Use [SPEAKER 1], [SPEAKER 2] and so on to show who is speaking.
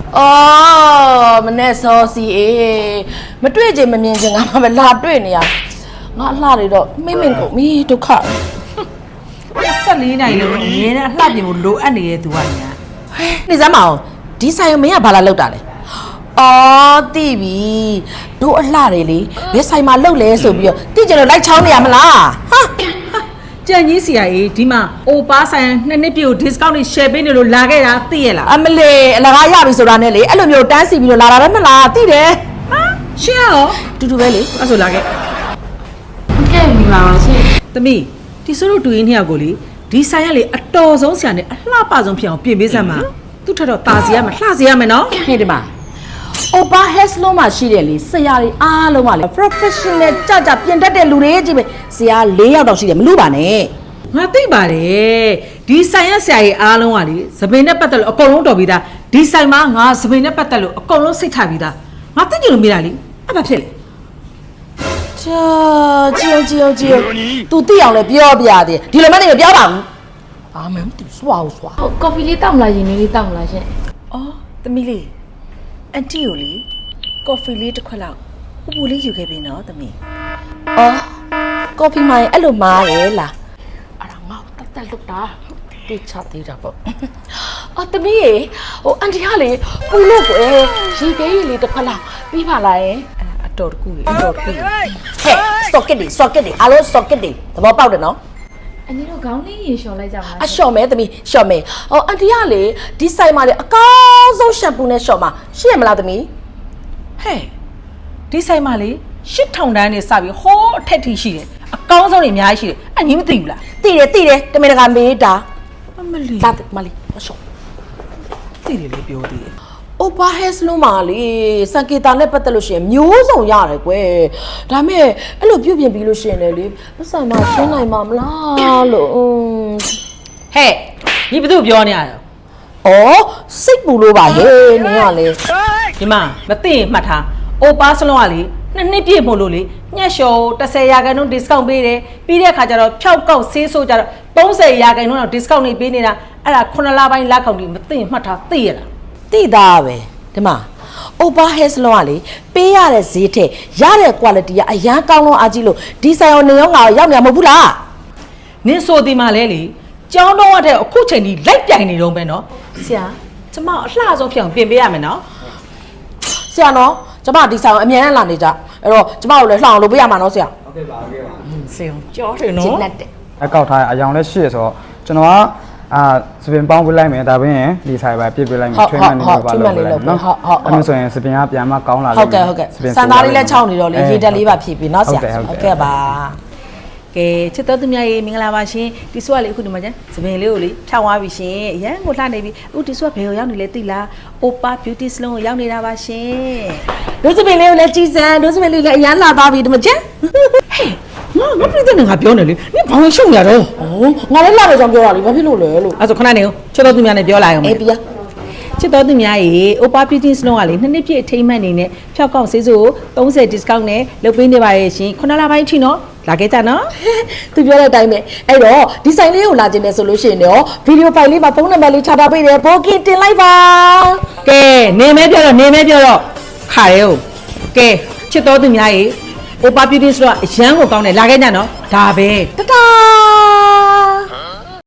[SPEAKER 1] အော်မနဲ့စောစီအေးမတွေ့ချင်မမြင်ချင်ငါမှပဲလာတွေ့နေရငါအလှတွေတော့မိမ့်ကုန်ပြီဒုက္ခ
[SPEAKER 2] 14နိုင်လို့အမြဲတမ်းအလှပြင်ဖို့လိုအပ်နေတဲ့သူကညာ
[SPEAKER 1] နေစမ်းမအောင်ဒီဆိုင်မင်းကဘာလာလောက်တာလဲအော်သိပြီတို့အလှတွေလေဘယ်ဆိုင်မှာလောက်လဲဆိုပြီးတော့သိကြလို့လိုက်ချောင်းနေရမလားဟာ
[SPEAKER 2] ကြံကြီးစီအေးဒီမှာအိုပါဆိုင်2နှစ်ပြည့်ကို discount နဲ့ share ပေးနေလို့လာခဲ့တာသိရလား
[SPEAKER 1] အမလေးအလကားရပြီဆိုတာနဲ့လေအဲ့လိုမျိုးတန်းစီပြီးတော့လာတာပဲမလားသိတယ်
[SPEAKER 2] ဟာရှင်းရော
[SPEAKER 1] တူတူပဲလေ
[SPEAKER 2] အဲ့ဆိုလာခဲ့
[SPEAKER 3] ကဲမိပါပါရှင်
[SPEAKER 2] သမီးဒီဆိုလို့တူရင်းနှစ်ယောက်ကိုလေဒီဆိုင်ကလေအတော်ဆုံးဆရာနဲ့အလှပဆုံးဖြစ်အောင်ပြင်ပေးစမ်းပါသူ့ထက်တော့ตาစီရမယ်လှစီရမယ်နော်
[SPEAKER 1] ဟေးဒီမှာOpa hair salon မှာရှိတယ်လေဆရာတွေအားလုံးပါလေ professional ကြကြပြင်တတ်တဲ့လူတွေကြီးပဲဆရာ4ယောက်တော့ရှိတယ်မလို့ပါနဲ့
[SPEAKER 2] ငါသိပါတယ်ဒီဆိုင်ရဆရာကြီးအားလုံးကလေသပင်နဲ့ပတ်သက်လို့အကုန်လုံးတော်ပြီးသားဒီဆိုင်မှာငါသပင်နဲ့ပတ်သက်လို့အကုန်လုံးစိတ်ချပြီးသားငါသိကြလို့မိတာလေအဲ့ဘာဖြစ်လဲ
[SPEAKER 1] ကြည်သူသိအောင်လဲပြောပြတယ်ဒီလိုမှနေမပြောပါဘူးအာမန်သူစွာ
[SPEAKER 3] ဟုတ်ကော်ဖီလေးတောက်မလားရင်လေးတောက်မလားရှင်
[SPEAKER 2] အော်သမီးလေးအန်တီကိုလေကော်ဖီလေးတစ်ခွက်လောက်ပူလေးယူခဲ့ပြီနော်သမီး
[SPEAKER 1] အော်ကော်ဖီမိုင်အဲ့လိုမားရဲလားအဲ့ဒါငါတက်လုတ်တာတိချသေးတာပေါ့အော်တမီးရေဟိုအန်တီကလေပူလို့ကွယ်ရေခဲကြီးလေးတစ်ခွက်လောက်ပြီးပါလားယင်
[SPEAKER 2] အတော်တကူလေအတော်တကူဟဲ့
[SPEAKER 1] socket တွေအားလုံး socket တွေသဘောပေါက်တယ်နော်
[SPEAKER 3] အနည်းတော့ခေါင်းလေးရေလျှော်လိုက်ကြပါလား
[SPEAKER 1] အလျှော်မဲသမီးလျှော်မဲဟောအန်တီကလေဒီဆိုင်မှာလေအကောင်းဆုံးရှမ်ပူနဲ့လျှော်မှာရှိရမလားသမီး
[SPEAKER 2] ဟဲ့ဒီဆိုင်မှာလေ8000တန်းနေစပြီးဟောအထက်ထိရှိတယ်အကောင်းဆုံးတွေအများကြီးရှိတယ်အညီမသိဘူးလား
[SPEAKER 1] သိတယ်တမင်တကာမေးတာ
[SPEAKER 2] အမလီ
[SPEAKER 1] လာမလီအလျှော်
[SPEAKER 2] သိတယ်လေပြောသေးတယ်
[SPEAKER 1] Opa hair salon မှာလေစံကေတာနဲ့ပတ်သက်လို့ရှိရင်မျိုးစုံရတယ်ကွယ်ဒါမဲ့အဲ့လိုပြုတ်ပြင်ပြီးလို့ရှိရင်လေပတ်စံမရှင်းနိုင်မှာမလားလို့
[SPEAKER 2] ဟဲ့ညီဘသူ့ပြောနေရတာ
[SPEAKER 1] ဩစိတ်ပူလို့ပါဟဲ့နင်ကလေ
[SPEAKER 2] ဒီမှာမသိရင်မှတ်ထား Opa salon ကလေ2နှစ်ပြည့်မို့လို့လေညက်လျှော်10% discount ပေးတယ်ပြီးတဲ့အခါကျတော့ဖြောက်ကောက်ဆေးဆိုးကြတော့30% တော့ discount နေပေးနေတာအဲ့ဒါ9လပိုင်းလက်ကောင်ဒီမသိရင်မှတ်ထားသိရလား
[SPEAKER 1] သိသားပဲဒီမှာ Opa hair salon ကလေပေးရတဲ့ဈေးထက်ရတဲ့ quality ကအရန်ကောင်းလို့အားကြီးလို့ဒီဆိုင်ရောနေရောငါရောက်နေမှာမဟုတ်ဘူးလား
[SPEAKER 2] နင်းဆိုဒီမှာလဲလေကျောင်းတော်တဲ့အခုချိန်ကြီးလိုက်ပြိုင်နေတော့ပဲနော်ဆရာကျမအလှဆုံးဖြစ်အောင်ပြင်ပေးရမယ်နော်
[SPEAKER 1] ဆရာနော်ကျမဒီဆိုင်ကိုအမြဲတမ်းလာနေကြအဲ့တော့ကျမကိုလည်းလှအောင်လုပ်ပေးရမှာနော်ဆရာ
[SPEAKER 2] ဟုတ်ကဲ့ပါဆရာကြောတယ်နော်
[SPEAKER 1] ကျင်းတဲ့
[SPEAKER 4] အကောက်ထားအယောင်လည်းရှိရဆိုတော့ကျွန်တော်ကစပင်ပေါင်းပေးလိုက်မယ်ဒါပြင်ဒီဆိုင်ပဲပြစ်ပေးလိုက်မယ်ထွေးမှန်နေပါလို့ပဲနော်အဲ့လိုဆိုရင်စပင်ကပြန်မကောင်းလာလိမ့်မယ်
[SPEAKER 1] ဟုတ်ကဲ့စံသားလေးလည်းခြောက်နေတော့လေရေတက်လေးပါဖြည့်ပြီးနော်ဆရာဟုတ်ကဲ့ပါ
[SPEAKER 2] ကဲချစ်တော်သူများရေမင်္ဂလာပါရှင်ဒီဆွကလေးအခုဒီမှာကျန်စပင်လေးကိုလေဖြောင်းသွားပြီရှင်အရန်ကိုလှနေပြီအခုဒီဆွကဘယ်ကိုရောက်နေလဲသိလား Opa Beauty Salon ကိုရောက်နေတာပါရှင်
[SPEAKER 1] ဒုစပင်လေးကိုလည်းကြီးစံဒုစပင်လေးလည်းအရန်လာသွားပြီဒီမှာကျန်
[SPEAKER 2] ဟဲ့ငါပြည့်တဲ့ငါပြောနေလေနင်ဘာဝင်ရှုံရတော့
[SPEAKER 1] ငါလည်းလာတယ်ကြောင့်ပြောတာလေဘာဖြစ်လို့လဲလို့
[SPEAKER 2] အဲ့ဆိုခဏနေဦးချစ်တော်သူများနဲ့ပြောလိုက်အောင်
[SPEAKER 1] အေးပြ
[SPEAKER 2] ချစ်တော်သူများရေ Opa Beauty Salon ကလေ2နှစ်ပြည့်အထိမ်းအမှတ်အနေနဲ့ဖြောက်ကောက်ဆေးစို့30 discount နဲ့လုပ်ပေးနေပါရဲ့ရှင်9လပိုင်းအထိနော်လာခဲ့ကြနော်
[SPEAKER 1] သူပြောတဲ့အတိုင်းပဲအဲ့တော့ဒီဆိုင်လေးကိုလာခြင်းနဲ့ဆိုလို့ရှိရင်တော့ဗီဒီယိုဖိုင်လေးမှာဖုန်းနံပါတ်လေးချထားပေးတယ်ဘောကင်တင်လိုက်ပါ
[SPEAKER 2] ကဲနေမဲပြောတော့ခါရဲဟုတ်ကဲချစ်တော်သူများရေOpa Beauty Salon အရန်ကိုကောင်းတယ်လာခဲ့ကြနော်ဒါပဲ
[SPEAKER 1] တတာ